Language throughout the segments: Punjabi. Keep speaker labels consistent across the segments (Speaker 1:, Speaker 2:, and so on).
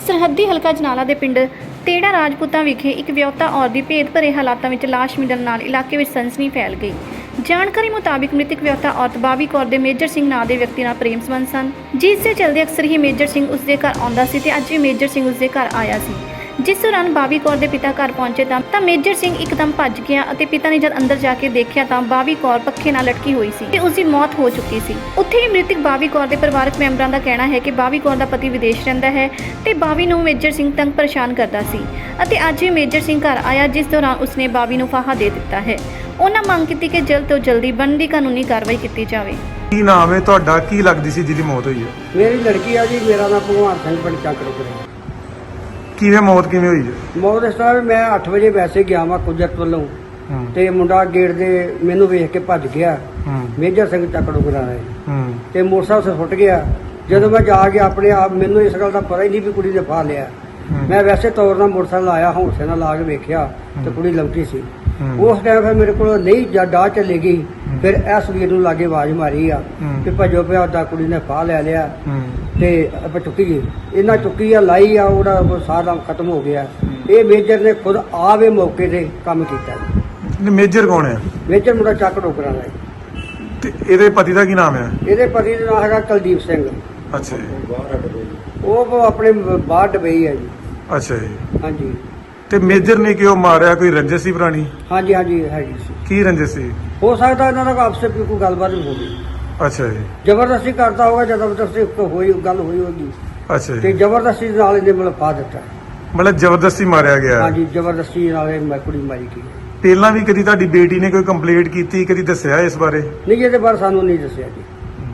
Speaker 1: ਸਰਹੱਦੀ ਹਲਕਾ ਜਨਾਲਾ ਦੇ ਪਿੰਡ ਤੇੜਾ ਰਾਜਪੂਤਾਂ ਵਿਖੇ ਇੱਕ ਵਿਆਹੁਤਾ ਔਰਤ ਦੀ ਭੇਦ ਭਰੇ ਹਾਲਾਤਾਂ ਵਿੱਚ ਲਾਸ਼ ਮਿਲਣ ਨਾਲ ਇਲਾਕੇ ਵਿੱਚ ਸਨਸਨੀ ਫੈਲ ਗਈ। ਜਾਣਕਾਰੀ ਮੁਤਾਬਿਕ ਮ੍ਰਿਤਕ ਵਿਆਹੁਤਾ ਔਰਤ ਬਾਵੀ ਕੌਰ ਦੇ ਮੇਜਰ ਸਿੰਘ ਨਾਂ ਦੇ ਵਿਅਕਤੀ ਨਾਲ ਪ੍ਰੇਮ ਸੰਬੰਧ ਸਨ, ਜਿਸ ਦੇ ਚਲਦੇ ਅਕਸਰ ਹੀ ਮੇਜਰ ਸਿੰਘ ਉਸ ਦੇ ਘਰ ਆਉਂਦਾ ਸੀ ਤੇ ਅੱਜ ਵੀ ਮੇਜਰ ਸਿੰਘ ਉਸ ਦੇ ਘਰ ਆਇਆ ਸੀ। ਜਿਸ ਦੌਰਾਨ ਬਾਵੀ ਕੌਰ ਦੇ ਪਿਤਾ ਘਰ ਪਹੁੰਚੇ ਤਾਂ ਮੇਜਰ ਸਿੰਘ ਇੱਕਦਮ ਭੱਜ ਗਿਆ ਅਤੇ ਪਿਤਾ ਨੇ ਜਦ ਅੰਦਰ ਜਾ ਕੇ ਦੇਖਿਆ ਤਾਂ ਬਾਵੀ ਕੌਰ ਪੱਖੇ ਨਾਲ ਲਟਕੀ ਹੋਈ ਸੀ ਤੇ ਉਸ ਦੀ ਮੌਤ ਹੋ ਚੁੱਕੀ ਸੀ। ਉੱਥੇ ਹੀ ਮ੍ਰਿਤਕ ਬਾਵੀ ਕੌਰ ਦੇ ਪਰਿਵਾਰਕ ਮੈਂਬਰਾਂ ਦਾ ਕਹਿਣਾ ਹੈ ਕਿ ਬਾਵੀ ਕੌਰ ਦਾ ਪਤੀ ਵਿਦੇਸ਼ ਰਹਿੰਦਾ ਹੈ ਤੇ ਬਾਵੀ ਨੂੰ ਮੇਜਰ ਸਿੰਘ ਤੰਗ ਪਰੇਸ਼ਾਨ ਕਰਦਾ ਸੀ ਅਤੇ ਅੱਜ ਵੀ ਮੇਜਰ ਸਿੰਘ ਘਰ ਆਇਆ, ਜਿਸ ਦੌਰਾਨ ਉਸਨੇ ਬਾਵੀ ਨੂੰ ਫਾਹਾ ਦੇ ਦਿੱਤਾ ਹੈ। ਉਹਨਾਂ ਮੰਗ ਕੀਤੀ ਕਿ ਜਲਦ ਤੋਂ ਜਲਦੀ ਬਣਦੀ ਕਾਨੂੰਨੀ ਕਾਰਵਾਈ ਕੀਤੀ ਜਾਵੇ।
Speaker 2: ਕੀ ਨਾਮ ਹੈ ਤੁਹਾਡਾ? ਕੀ ਲੱਗਦੀ ਸੀ ਜਿਹਦੀ ਮੌਤ ਹੋਈ ਹੈ?
Speaker 3: ਮੇਰੀ ਲੜਕੀ ਆ ਜੀ, ਮੇਰਾ ਨਾਮ ਭਗਵਾਨ ਸਿੰਘ ਪਿੰਡ ਚੱਕਰਪੁਰ।
Speaker 2: ਕਿਵੇਂ ਮੌਤ ਕਿਵੇਂ ਹੋਈ ਹੈ?
Speaker 3: ਮੌਤ ਇਸ ਤਰ੍ਹਾਂ ਵੀ ਮੈਂ 8 ਵਜੇ ਵੈਸੇ ਗਿਆ ਵਾਂ ਕੁਦਰਤ ਵੱਲੋਂ ਤੇ ਮੁੰਡਾ ਗੇਟ ਦੇ ਮੈਨੂੰ ਵੇਖ ਕੇ ਭੱਜ ਗਿਆ। ਮੇਜਰ ਸਿੰਘ ਚੱਕੜੋਗਰਾ ਹੈ ਤੇ ਮੋਟਰਸਾਈਕਲ ਸੁੱਟ ਗਿਆ। ਜਦੋਂ ਮੈਂ ਜਾ ਕੇ ਆਪਣੇ ਆਪ, ਮੈਨੂੰ ਇਸ ਗੱਲ ਦਾ ਪਤਾ ਹੀ ਨਹੀਂ ਵੀ ਕੁੜੀ ਨੇ ਫਾ ਲਿਆ। ਮੈਂ ਵੈਸੇ ਤੌਰ ਨਾਲ ਮੋਟਰਸਾਈਕਲ ਆਇਆ, ਹੌਂਸੇ ਨਾਲ ਲਾ ਕੇ ਵੇਖਿਆ ਤੇ ਕੁੜੀ ਲੰਕੀ ਸੀ। ਉਸ ਟਾਈਮ ਫਿਰ ਮੇਰੇ ਕੋਲ ਨਹੀਂ ਡਾਹ ਚੱਲੇ ਗਈ। ਫਿਰ ਇਸ ਵੀਰ ਨੂੰ ਲਾਗੇ ਆਵਾਜ਼ ਮਾਰੀ ਆ ਕਿ ਭੱਜੋ ਪਿਆ, ਉਹਦਾ ਕੁੜੀ ਨੇ ਫਾਹ ਲੈ ਲਿਆ ਤੇ ਆਪਾਂ ਚੁੱਕੀ ਇਹਨਾਂ ਚੁੱਕੀ ਆ, ਲਾਈ ਆ, ਉਹਦਾ ਸਾਰਾ ਖਤਮ ਹੋ ਗਿਆ। ਇਹ ਮੇਜਰ ਨੇ ਖੁਦ ਆਵੇ ਮੌਕੇ ਤੇ ਕੰਮ ਕੀਤਾ।
Speaker 2: ਮੇਜਰ ਕੌਣ ਹੈ?
Speaker 3: ਮੇਜਰ ਮੁੰਡਾ ਚੱਕ ਡੋਕਰਾਂ ਦਾ।
Speaker 2: ਤੇ ਇਹਦੇ ਪਤੀ ਦਾ ਕੀ ਨਾਮ ਹੈ?
Speaker 3: ਇਹਦੇ ਪਤੀ ਦਾ ਨਾਮ ਹੈਗਾ ਕੁਲਦੀਪ ਸਿੰਘ।
Speaker 2: ਅੱਛਾ ਜੀ।
Speaker 3: ਉਹ ਆਪਣੇ ਬਾਹਰ ਡਬਈ ਹੈ ਜੀ।
Speaker 2: ਅੱਛਾ ਜੀ।
Speaker 3: ਹਾਂਜੀ।
Speaker 2: ਤੇ ਮੇਜਰ ਨੇ ਕਿਉਂ ਮਾਰਿਆ? ਕੋਈ ਰੰਜਿਸ਼ ਸੀ ਪੁਰਾਣੀ?
Speaker 3: ਹਾਂਜੀ ਹਾਂਜੀ ਹੈਗੀ ਸੀ।
Speaker 2: ਕੀ ਰੰਜਿਸ਼ ਸੀ?
Speaker 3: ਹੋ ਸਕਦਾ ਇਹਨਾਂ ਦਾ ਆਪਸੇ ਕੋਈ ਗੱਲਬਾਤ ਹੋ ਗਈ।
Speaker 2: ਅੱਛਾ ਜੀ।
Speaker 3: ਜ਼ਬਰਦਸਤੀ ਕਰਦਾ ਹੋਗਾ, ਜ਼ਬਰਦਸਤੀ ਹੋਈ ਗੱਲ ਹੋਈ ਹੋਗੀ
Speaker 2: ਅੱਛਾ
Speaker 3: ਤੇ
Speaker 2: ਜੀ।
Speaker 3: ਜ਼ਬਰਦਸਤੀ ਨਾਲ ਇਹਨੇ ਮਤਲਬ ਪਾ ਦਿੱਤਾ।
Speaker 2: ਮਤਲਬ ਜ਼ਬਰਦਸਤੀ ਮਾਰਿਆ ਗਿਆ?
Speaker 3: ਹਾਂਜੀ, ਜ਼ਬਰਦਸਤੀ ਨਾਲ ਇਹ ਕੁੜੀ ਮਾਰੀ ਗਈ।
Speaker 2: ਪਹਿਲਾਂ ਵੀ ਕਦੀ ਤੁਹਾਡੀ ਬੇਟੀ ਨੇ ਕੋਈ ਕੰਪਲੇਂਟ ਕੀਤੀ, ਕਦੀ ਦੱਸਿਆ ਇਸ ਬਾਰੇ?
Speaker 3: ਨਹੀਂ, ਇਹਦੇ ਬਾਰੇ ਸਾਨੂੰ ਨਹੀਂ ਦੱਸਿਆ ਜੀ।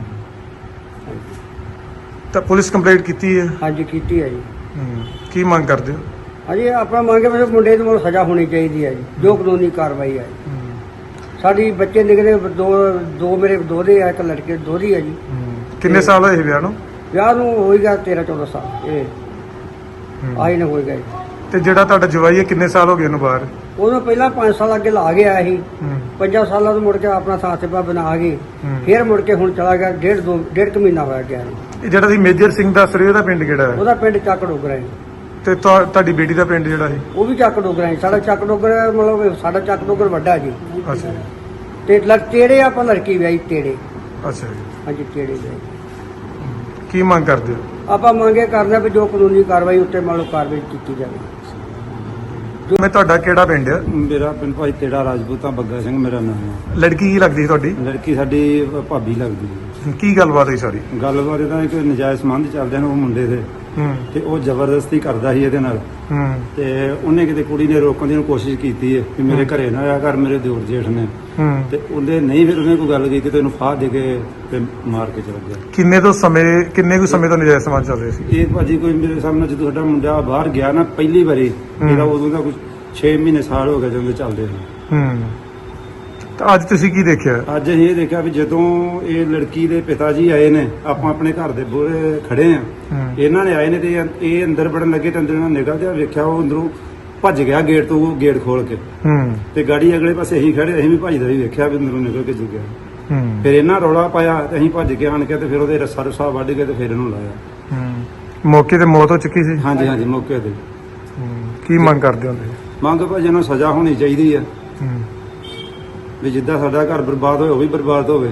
Speaker 2: ਤਾਂ ਪੁਲਿਸ ਕੰਪਲੇਂਟ ਕੀਤੀ ਹੈ?
Speaker 3: ਹਾਂਜੀ ਕੀਤੀ ਹੈ ਜੀ।
Speaker 2: ਕੀ ਮੰਗ ਕਰਦੇ ਹੋ?
Speaker 3: ਹਾਂਜੀ, ਆਪਣਾ ਮੰਗੇ ਮੇਰੇ ਮੁੰਡੇ ਨੂੰ ਸਜ਼ਾ ਹੋਣੀ ਚਾਹੀਦੀ ਹੈ ਜੀ, ਜੋ ਕਾਨੂੰਨੀ ਕਾਰਵਾਈ ਹੈ। ਸਾਡੀ ਬੱਚੇ ਨਿਕਲੇ ਦੋ ਮੇਰੇ ਦੋਹਰੇ ਆ, ਇੱਕ ਲੜਕੇ ਦੋਹਰੀ ਹੈ ਜੀ।
Speaker 2: ਕਿੰਨੇ ਸਾਲ ਹੋਏ ਵਿਆਹ ਨੂੰ?
Speaker 3: ਵਿਆਹ ਨੂੰ ਹੋਏਗਾ 13-14 ਸਾਲ। ਇਹ ਆਈ ਨਾ ਹੋਏਗਾ ਜੀ।
Speaker 2: ਤੇ ਜਿਹੜਾ ਤੁਹਾਡਾ ਜਵਾਈ ਹੈ ਕਿੰਨੇ ਸਾਲ ਹੋ ਗਏ ਉਹਨੂੰ ਬਾਹਰ?
Speaker 3: ਉਹਨੂੰ ਪਹਿਲਾਂ 5 ਸਾਲ ਅੱਗੇ ਲਾ ਗਿਆ ਸੀ। 5 ਸਾਲਾਂ ਤੋਂ ਮੁੜ ਕੇ ਆਪਣਾ ਸਾਥ-ਸਿਪਾ ਬਣਾ ਕੇ ਫਿਰ ਮੁੜ ਕੇ ਹੁਣ ਚਲਾ ਗਿਆ। ਡੇਢ ਕੁ ਮਹੀਨਾ ਹੋਇਆ ਗਿਆ।
Speaker 2: ਇਹ ਜਿਹੜਾ ਸੀ ਮੇਜਰ ਸਿੰਘ ਦੱਸ ਰਹੇ, ਉਹਦਾ ਪਿੰਡ ਕਿਹੜਾ ਹੈ?
Speaker 3: ਉਹਦਾ ਪਿੰਡ ਚੱਕ ਡੋਗਰਾ ਹੈ।
Speaker 2: ਤੇ ਤੁਹਾਡੀ ਬੇਟੀ ਦਾ ਪਿੰਡ ਜਿਹੜਾ ਹੈ?
Speaker 3: ਉਹ ਵੀ ਚੱਕ ਡੋਗਰਾ ਹੈ। ਸਾਡਾ ਚੱਕ ਡੋਗਰਾ ਮਤਲਬ ਸਾਡਾ ਚੱਕ ਡੋਗਰ ਵੱਡਾ ਜੀ।
Speaker 2: ਅੱਛਾ ਜੀ।
Speaker 3: ਤੇ ਤੇੜੇ ਆਪਾਂ ਲੜਕੀ ਵਿਆਹੀ ਤੇੜੇ।
Speaker 2: ਅੱਛਾ ਜੀ।
Speaker 3: ਹਾਂਜੀ, ਤੇੜੇ ਵਿਆਹੀ।
Speaker 2: ਕੀ ਮੰਗ ਕਰਦੇ ਹੋ?
Speaker 3: ਆਪਾਂ ਮੰਗੇ ਕਰਦੇ ਵੀ ਜੋ ਕਾਨੂੰਨੀ ਕਾਰਵਾਈ ਉੱਤੇ ਮੰਨ ਲਓ ਕਾਰਵਾਈ ਕੀਤੀ ਜਾਵੇ।
Speaker 2: ਮੈਂ ਤੁਹਾਡਾ ਕਿਹੜਾ ਪਿੰਡ ਹੈ?
Speaker 4: ਮੇਰਾ ਪਿੰਡ ਭਾਈ ਤੇੜਾ ਰਾਜਪੂਤਾਂ, ਬੱਗਾ ਸਿੰਘ ਮੇਰਾ ਨਾਮ ਹੈ।
Speaker 2: ਲੜਕੀ ਕੀ ਲੱਗਦੀ ਸੀ ਤੁਹਾਡੀ?
Speaker 4: ਲੜਕੀ ਸਾਡੀ ਭਾਬੀ ਲੱਗਦੀ ਹੈ।
Speaker 2: ਕੀ ਗੱਲਬਾਤ ਹੋਈ ਸਾਰੀ?
Speaker 4: ਗੱਲਬਾਤ ਇਹਦਾ ਕਿ ਨਜਾਇਜ਼ ਸੰਬੰਧ ਚੱਲਦੇ ਨੇ ਉਹ ਮੁੰਡੇ ਦੇ, ਤੇ ਉਹ ਜ਼ਬਰਦਸਤੀ ਕਰਦਾ ਸੀ ਇਹਦੇ ਨਾਲ। ਤੇ ਉਹਨੇ ਕਿਤੇ ਕੁੜੀ ਨੇ ਰੋਕਣ ਦੀ ਕੋਸ਼ਿਸ਼ ਕੀਤੀ ਹੈ ਕਿ ਮੇਰੇ ਘਰੇ ਨਾ ਆਇਆ ਕਰ, ਮੇਰੇ ਦਿਓਰ ਜੇਠ ਨੇ। ਤੇ ਉਹਦੇ ਨਹੀਂ, ਫਿਰ ਉਹਨੇ ਕੋਈ ਗੱਲ ਕੀਤੀ ਤੇ ਉਹਨੂੰ ਫਾਹ ਦੇ ਕੇ ਤੇ ਮਾਰ ਕੇ ਚਲਾ ਗਿਆ।
Speaker 2: ਕਿੰਨੇ ਕੁ ਸਮੇਂ ਤੋਂ ਨਜਾਇਜ਼ ਸੰਬੰਧ ਚੱਲ ਰਹੇ ਸੀ?
Speaker 4: ਇਹ ਭਾਜੀ ਕੋਈ ਮੇਰੇ ਸਾਹਮਣੇ ਜਦੋਂ ਸਾਡਾ ਮੁੰਡਾ ਬਾਹਰ ਗਿਆ ਨਾ ਪਹਿਲੀ ਵਾਰੀ, ਇਹਦਾ ਉਦੋਂ ਦਾ ਕੁਝ 6 ਮਹੀਨੇ ਸਾਲ ਹੋ ਗਏ ਜਦੋਂ ਚੱਲਦੇ ਨੇ।
Speaker 2: ਤਾਂ ਅੱਜ ਤੁਸੀਂ ਕੀ ਦੇਖਿਆ?
Speaker 4: ਅੱਜ ਅਸੀਂ ਇਹ ਦੇਖਿਆ ਵੀ ਜਦੋਂ ਇਹ ਲੜਕੀ ਦੇ ਪਿਤਾ ਜੀ ਆਏ ਨੇ, ਆਪਾਂ ਆਪਣੇ ਘਰ ਦੇ ਬੂਹੇ ਖੜੇ ਆ, ਇਹਨਾਂ ਨੇ ਆਏ ਨੇ ਤੇ ਇਹ ਅੰਦਰ ਵੜਨ ਲੱਗੇ ਤੇ ਅੰਦਰ ਨਿਕਲਦੇ ਵੇਖਿਆ ਉਹ ਅੰਦਰੋਂ ਭੱਜ ਗਿਆ ਗੇਟ ਤੋਂ, ਗੇਟ ਖੋਲ ਕੇ। ਤੇ ਗਾੜੀ ਅਗਲੇ ਪਾਸੇ ਅਸੀਂ ਖੜੇ, ਅਸੀਂ ਵੀ ਭੱਜਦਾ ਵੀ ਵੇਖਿਆ ਵੀ ਅੰਦਰੋਂ ਨਿਕਲ ਕੇ ਗਿਆ। ਫਿਰ ਇਹਨਾਂ ਰੌਲਾ ਪਾਇਆ ਤੇ ਅਸੀਂ ਭੱਜ ਕੇ ਆਣ ਕੇ ਤੇ ਫਿਰ ਉਹਦੇ ਰੱਸਾ ਰੁੱਸਾ ਵੱਢ ਕੇ ਤੇ ਫਿਰ ਇਹਨੂੰ ਲਾਇਆ।
Speaker 2: ਮੌਕੇ ਤੇ ਮੌਤ ਹੋ ਚੁੱਕੀ ਸੀ?
Speaker 4: ਹਾਂਜੀ ਹਾਂਜੀ, ਮੌਕੇ ਤੇ।
Speaker 2: ਕੀ ਮੰਗ ਕਰਦੇ ਹੋ?
Speaker 4: ਮੰਗ ਭਾਜੀ ਨੂੰ ਸਜ਼ਾ ਹੋਣੀ ਚਾਹੀਦੀ ਆ ਵੀ ਜਿੱਦਾਂ ਸਾਡਾ ਘਰ ਬਰਬਾਦ ਹੋਇਆ ਉਹ ਵੀ ਬਰਬਾਦ ਹੋਵੇ।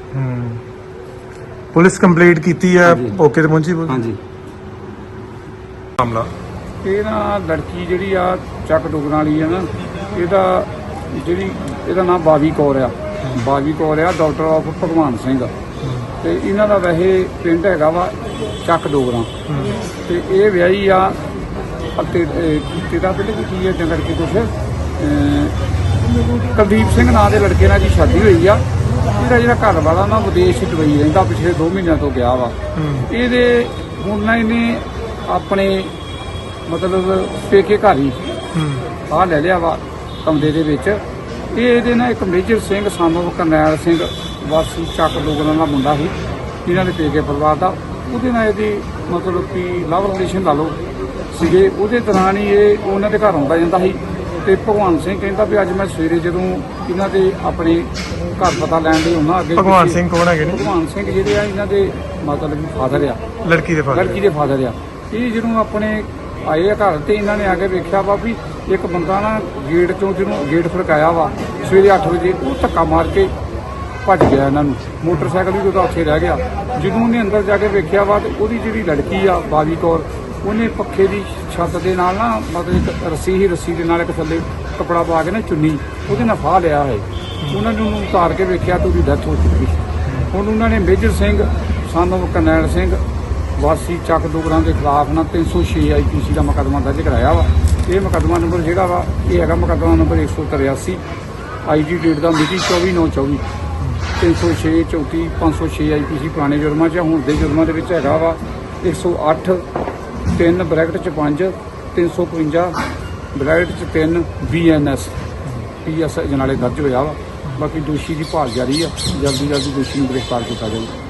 Speaker 2: ਪੁਲਿਸ ਕੰਪਲੇਂਟ ਕੀਤੀ ਹੈ? ਮੌਕੇ ਤੇ ਪਹੁੰਚੀ ਪੁਲਿਸ?
Speaker 4: ਹਾਂਜੀ।
Speaker 2: ਮਾਮਲਾ
Speaker 5: ਇਹ ਨਾ ਲੜਕੀ ਜਿਹੜੀ ਆ ਚੱਕ ਡੁਗਰਾਂ ਵਾਲੀ ਆ ਨਾ, ਇਹਦਾ ਨਾਮ ਬਾਵੀ ਕੌਰ ਆ। ਬਾਵੀ ਕੌਰ ਆ, ਡਾਕਟਰ ਆਫ ਭਗਵਾਨ ਸਿੰਘ। ਤੇ ਇਹਨਾਂ ਦਾ ਵੈਸੇ ਪਿੰਡ ਹੈਗਾ ਵਾ ਚੱਕ ਡੋਗਰਾਂ। ਤੇ ਇਹ ਵਿਆਹੀ ਆ ਤੇਰਾ ਪਿੰਡ ਕੀ ਹੈ ਜੰਗਲ ਕੇ ਕੁਛ ਕੁਲਦੀਪ ਸਿੰਘ ਨਾਂ ਦੇ ਲੜਕੇ ਨਾਲ ਜੀ ਸ਼ਾਦੀ ਹੋਈ ਆ। ਇਹਦਾ ਜਿਹੜਾ ਘਰ ਵਾਲਾ ਨਾ ਵਿਦੇਸ਼ ਦੁਬਈ ਰਹਿੰਦਾ, ਪਿਛਲੇ 2 ਮਹੀਨਿਆਂ ਤੋਂ ਗਿਆ ਵਾ। ਇਹਦੇ ਹੁਣ ਨਾ ਇਹਨੇ ਆਪਣੇ ਮਤਲਬ ਪੇਕੇ ਘਰ ਹੀ ਆਹ ਲੈ ਲਿਆ ਵਾ ਕਮਰੇ ਦੇ ਵਿੱਚ। ਇਹਦੇ ਨਾਲ ਇੱਕ ਮੇਜਰ ਸਿੰਘ ਸਾਨੂੰ ਕਰਨੈਲ ਸਿੰਘ ਵਾਸੀ ਚੱਕ ਡੋਗਰਾਂ ਦਾ ਮੁੰਡਾ ਸੀ, ਇਹਨਾਂ ਦੇ ਪੇਕੇ ਪਰਿਵਾਰ ਦਾ। ਉਹਦੇ ਨਾਲ ਇਹਦੀ ਮਤਲਬ ਕਿ ਲਵ ਰਿਲੇਸ਼ਨ ਲਾ ਲਓ ਸੀਗੇ। ਉਹਦੇ ਦੌਰਾਨ ਹੀ ਇਹ ਉਹਨਾਂ ਦੇ ਘਰ ਆਉਂਦਾ ਜਾਂਦਾ ਸੀ। ਤੇ ਭਗਵਾਨ ਸਿੰਘ ਕਹਿੰਦਾ ਵੀ ਅੱਜ ਮੈਂ ਸਵੇਰੇ ਜਦੋਂ ਇਹਨਾਂ ਦੇ ਆਪਣੇ ਘਰ ਪਤਾ ਲੈਣ ਲਈ ਉਹਨਾਂ ਅੱਗੇ।
Speaker 2: ਭਗਵਾਨ ਸਿੰਘ ਕੌਣ ਹੈਗੇ ਨੇ?
Speaker 5: ਭਗਵਾਨ ਸਿੰਘ ਜਿਹੜੇ ਆ ਇਹਨਾਂ ਦੇ ਮਤਲਬ ਫਾਦਰ ਆ,
Speaker 2: ਲੜਕੀ ਦੇ ਫਾਦਰ
Speaker 5: ਆ। ਇਹ ਜਦੋਂ ਆਪਣੇ ਆਏ ਆ ਘਰ ਤੇ ਇਹਨਾਂ ਨੇ ਆ ਕੇ ਵੇਖਿਆ ਵਾ ਵੀ ਇੱਕ ਬੰਦਾ ਨਾ ਗੇਟ ਚੋਂ ਜਿਹਨੂੰ ਗੇਟ ਖੜਕਾਇਆ ਵਾ ਸਵੇਰੇ 8 ਵਜੇ ਉਹ ਧੱਕਾ ਮਾਰ ਕੇ ਭੱਜ ਗਿਆ ਇਹਨਾਂ ਨੂੰ। ਮੋਟਰਸਾਈਕਲ ਵੀ ਉਹਦਾ ਉੱਥੇ ਰਹਿ ਗਿਆ। ਜਦੋਂ ਉਹਨੇ ਅੰਦਰ ਜਾ ਕੇ ਵੇਖਿਆ ਵਾ ਤੇ ਉਹਦੀ ਜਿਹੜੀ ਲੜਕੀ ਆ ਬਾਵੀ ਕੌਰ, ਉਹਨੇ ਪੱਖੇ ਦੀ ਛੱਤ ਦੇ ਨਾਲ ਨਾ ਮਤਲਬ ਇੱਕ ਰੱਸੀ ਦੇ ਨਾਲ ਇੱਕ ਥੱਲੇ ਕੱਪੜਾ ਪਾ ਕੇ ਨਾ ਚੁੰਨੀ ਉਹਦੇ ਨਾਲ ਫਾਹ ਲਿਆ ਹੈ। ਉਹਨਾਂ ਨੇ ਉਹਨੂੰ ਉਤਾਰ ਕੇ ਵੇਖਿਆ ਤਾਂ ਉਹਦੀ ਡੈਥ ਹੋ ਚੁੱਕੀ। ਹੁਣ ਉਹਨਾਂ ਨੇ ਮੇਜਰ ਸਿੰਘ ਸਾਨੂੰ ਕਰਨੈਲ ਸਿੰਘ ਵਾਸੀ ਚੱਕ ਡੋਗਰਾਂ ਦੇ ਖਿਲਾਫ ਨਾ 306 IPC ਦਾ ਮੁਕੱਦਮਾ ਦਰਜ ਕਰਾਇਆ ਵਾ। ਇਹ ਮੁਕੱਦਮਾ ਨੰਬਰ ਜਿਹੜਾ ਵਾ ਇਹ ਹੈਗਾ ਮੁਕੱਦਮਾ ਨੰਬਰ 183 IG ਡੇਟ ਦਾ ਮਿਤੀ 24/9/24 306 34 506 IPC ਪੁਰਾਣੇ ਜੁਰਮਾਂ 'ਚ। ਹੁਣ ਦੇ ਜੁਰਮਾਂ ਦੇ ਵਿੱਚ ਹੈਗਾ ਵਾ 108 3 ਬ੍ਰੈਕਟ 'ਚ 5 355 ਬ੍ਰੈਕਟ 'ਚ 3 BNS PS ਅਜਨਾਲੇ ਦਰਜ ਹੋਇਆ ਵਾ। ਬਾਕੀ ਦੋਸ਼ੀ ਦੀ ਭਾਲ ਜਾਰੀ ਆ। ਜਲਦੀ ਦੋਸ਼ੀ ਨੂੰ ਗ੍ਰਿਫਤਾਰ ਕੀਤਾ ਜਾਊਗਾ।